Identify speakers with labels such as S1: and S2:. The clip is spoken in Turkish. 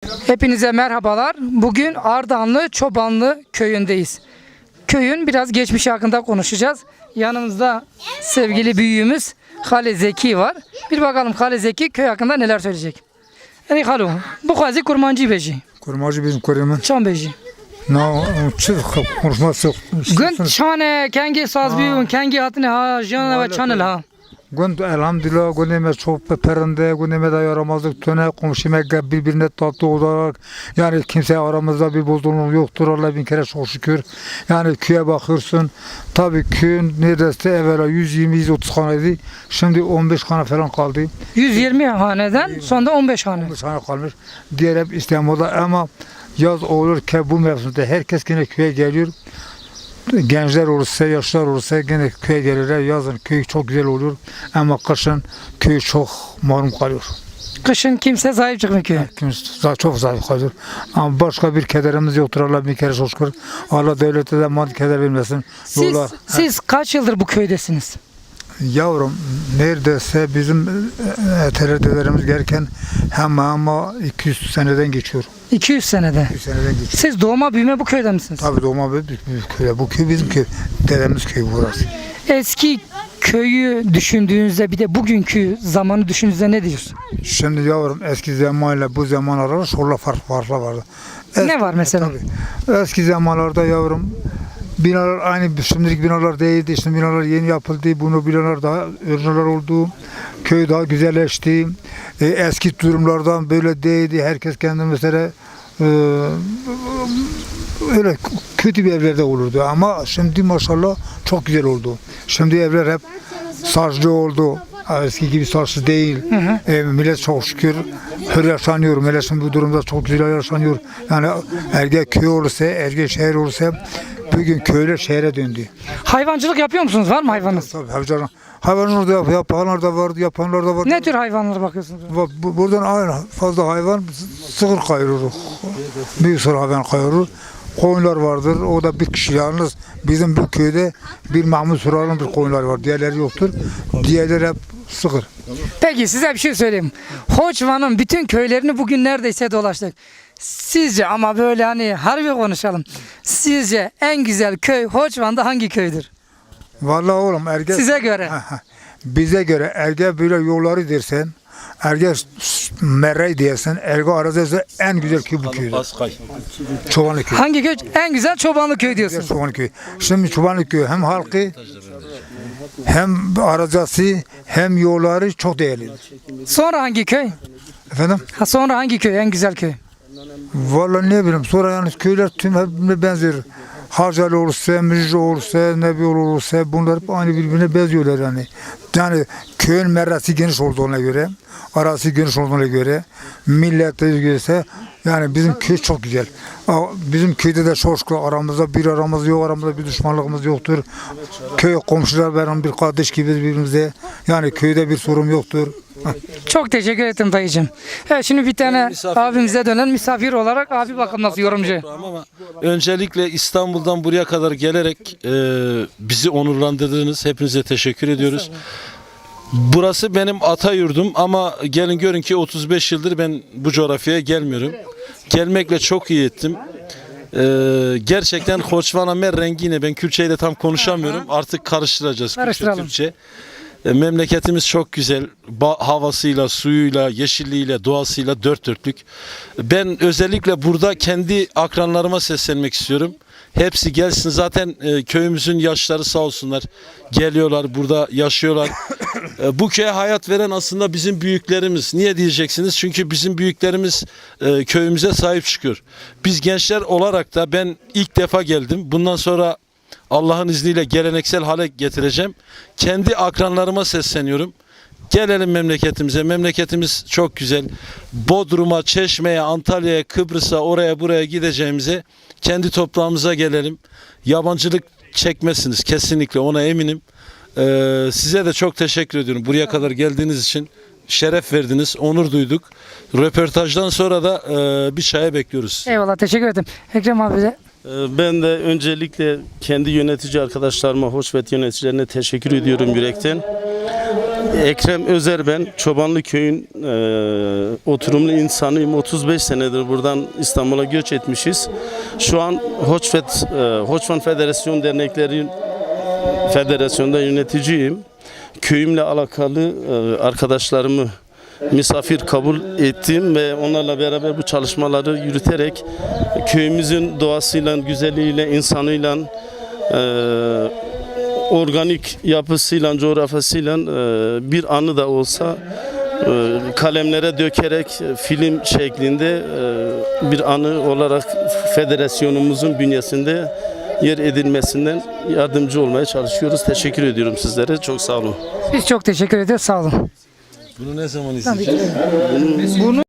S1: Hepinize merhabalar. Bugün Ardahanlı Çobanlı köyündeyiz. Köyün biraz geçmişi hakkında konuşacağız. Yanımızda sevgili büyüğümüz Hale Zeki var. Bir bakalım Hale Zeki köy hakkında neler söyleyecek. Ey Halo, bu kazi kurmancı beji.
S2: Kurmacı bizim kurumun.
S1: Çan beji.
S2: Na çık konuşması.
S1: Gün çane kengi saz büyüğün kengi hatine ha jana ve çanel ha.
S2: Gün elhamdülillah güneme çok perinde güneme de yaramazlık töne komşume birbirine tatlı olarak yani kimse aramızda bir bozulma yoktur. Allah bin kere çok şükür. Yani köye bakırsın. Tabii köyün neredeyse evvela 120-130 haneydi. Şimdi 15 hane falan kaldı.
S1: 120 haneden sonra 15 hane.
S2: 15 hane kalmış. Diğer hep İstanbul'da ama yaz olur ki bu mevsimde herkes yine köye geliyor. Gençler olursa, yaşlar olursa yine köye gelirler. Yazın köy çok güzel olur ama kışın köy çok malum kalıyor.
S1: Kışın kimse sahip çıkmıyor köye.
S2: Kimse çok zayıf kalıyor. Ama başka bir kederimiz yoktur. Allah bir kere çok şükür. Allah devlete de maddi keder vermesin.
S1: Siz kaç yıldır bu köydesiniz?
S2: Yavrum neredeyse bizim dedelerimiz gelirken ama 200 seneden geçiyor.
S1: 200 senede.
S2: 200 seneden geçiyor.
S1: Siz doğma büyüme bu köyde misiniz?
S2: Tabii doğma büyük köy. Bu köy bizim köy. Dedemiz köyü burası.
S1: Eski köyü düşündüğünüzde bir de bugünkü zamanı düşündüğünüzde ne diyorsun?
S2: Şimdi yavrum eski zamanla bu zaman arasında şurada farklı vardı.
S1: Ne var mesela?
S2: Tabii. Eski zamanlarda yavrum binalar aynı şimdilik binalar değildi. Şimdi binalar yeni yapıldı. Bunu binalar daha örneler oldu. Köy daha güzelleşti. Eski durumlardan böyle değildi. Herkes kendi mesela öyle kötü bir evlerde olurdu ama şimdi maşallah çok güzel oldu. Şimdi evler hep saçlı oldu. Eski gibi saçlı değil. Millet çok şükür hür yaşanıyor. Millet şimdi bu durumda çok güzel yaşanıyor. Yani erge köy olursa, erge şehir olursa bugün köyler şehre döndü.
S1: Hayvancılık yapıyor musunuz? Var mı hayvanınız?
S2: Tabii hayvanlar da yapanlar da vardı, yapanlar da vardı.
S1: Ne tür hayvanlara bakıyorsunuz?
S2: Buradan aynı fazla hayvan sığır kayırır. Bir sürü hayvan kayırır. Koyunlar vardır. O da bir kişi yalnız bizim bu köyde bir Mahmut Sural'ın bir koyunlar var. Diğerleri yoktur. Diğerleri hep sığır.
S1: Peki size bir şey söyleyeyim. Hoçvan'ın bütün köylerini bugün neredeyse dolaştık. Sizce ama böyle hani harbi konuşalım. Sizce en güzel köy Hoçvan'da hangi köydür?
S2: Vallahi oğlum erge
S1: Size göre.
S2: bize göre erge böyle yolları dersen erge merrey diyorsun. Erge arazisi en güzel köy bu köydür. Çobanlı köy.
S1: Hangi köy? En güzel Çobanlı köy diyorsun.
S2: Çobanlı köy. Şimdi Çobanlı köy hem halkı hem arazisi hem yolları çok değerli.
S1: Sonra hangi köy?
S2: Efendim?
S1: Sonra hangi köy? En güzel köy.
S2: Vallahi ne bileyim sonra yalnız köyler tüm birbirine benzer. Harcalı olursa, Müjde olursa, Nebi olursa bunlar hep aynı birbirine benziyorlar yani. Yani köyün merresi geniş olduğuna göre, arası geniş olduğuna göre, millete göre yani bizim köy çok güzel. Bizim köyde de çok şükür aramızda bir aramız yok, aramızda bir düşmanlığımız yoktur. Köy komşular benim bir kardeş gibi birbirimize. Yani köyde bir sorun yoktur.
S1: Çok teşekkür ederim dayıcığım. Evet şimdi bir tane abimize dönen misafir olarak abi bakın nasıl yorumcu.
S3: Ama öncelikle İstanbul'dan buraya kadar gelerek bizi onurlandırdınız. Hepinize teşekkür ediyoruz. Burası benim ata yurdum ama gelin görün ki 35 yıldır ben bu coğrafyaya gelmiyorum. Gelmekle çok iyi ettim. Gerçekten Hoçvanamer rengiyle ben Kürtçeyi de tam konuşamıyorum. Artık karıştıracağız Kürtçe. Memleketimiz çok güzel. Havasıyla, suyuyla, yeşilliğiyle, doğasıyla dört dörtlük. Ben özellikle burada kendi akranlarıma seslenmek istiyorum. Hepsi gelsin. Zaten köyümüzün yaşları sağ olsunlar. Geliyorlar, burada yaşıyorlar. Bu köye hayat veren aslında bizim büyüklerimiz. Niye diyeceksiniz? Çünkü bizim büyüklerimiz köyümüze sahip çıkıyor. Biz gençler olarak da ben ilk defa geldim. Bundan sonra Allah'ın izniyle geleneksel hale getireceğim. Kendi akranlarıma sesleniyorum. Gelelim memleketimize. Memleketimiz çok güzel. Bodrum'a, Çeşme'ye, Antalya'ya, Kıbrıs'a, oraya buraya gideceğimize kendi toprağımıza gelelim. Yabancılık çekmezsiniz. Kesinlikle ona eminim. Size de çok teşekkür ediyorum. Buraya kadar geldiğiniz için şeref verdiniz. Onur duyduk. Röportajdan sonra da bir çaya bekliyoruz.
S1: Eyvallah teşekkür ederim. Ekrem abi de.
S4: Ben de öncelikle kendi yönetici arkadaşlarıma, Hoçvet yöneticilerine teşekkür ediyorum yürekten. Ekrem Özer ben. Çobanlı köyün oturumlu insanıyım. 35 senedir buradan İstanbul'a göç etmişiz. Şu an Hoçvan Federasyon Dernekleri Federasyonu'nda yöneticiyim. Köyümle alakalı arkadaşlarımı misafir kabul ettim ve onlarla beraber bu çalışmaları yürüterek köyümüzün doğasıyla, güzelliğiyle, insanıyla, organik yapısıyla, coğrafyasıyla bir anı da olsa kalemlere dökerek film şeklinde bir anı olarak federasyonumuzun bünyesinde yer edilmesinden yardımcı olmaya çalışıyoruz. Teşekkür ediyorum sizlere. Çok sağ olun.
S1: Biz çok teşekkür ederiz. Sağ olun.
S3: Bunu ne zaman izleyeceğiz?
S1: Bunu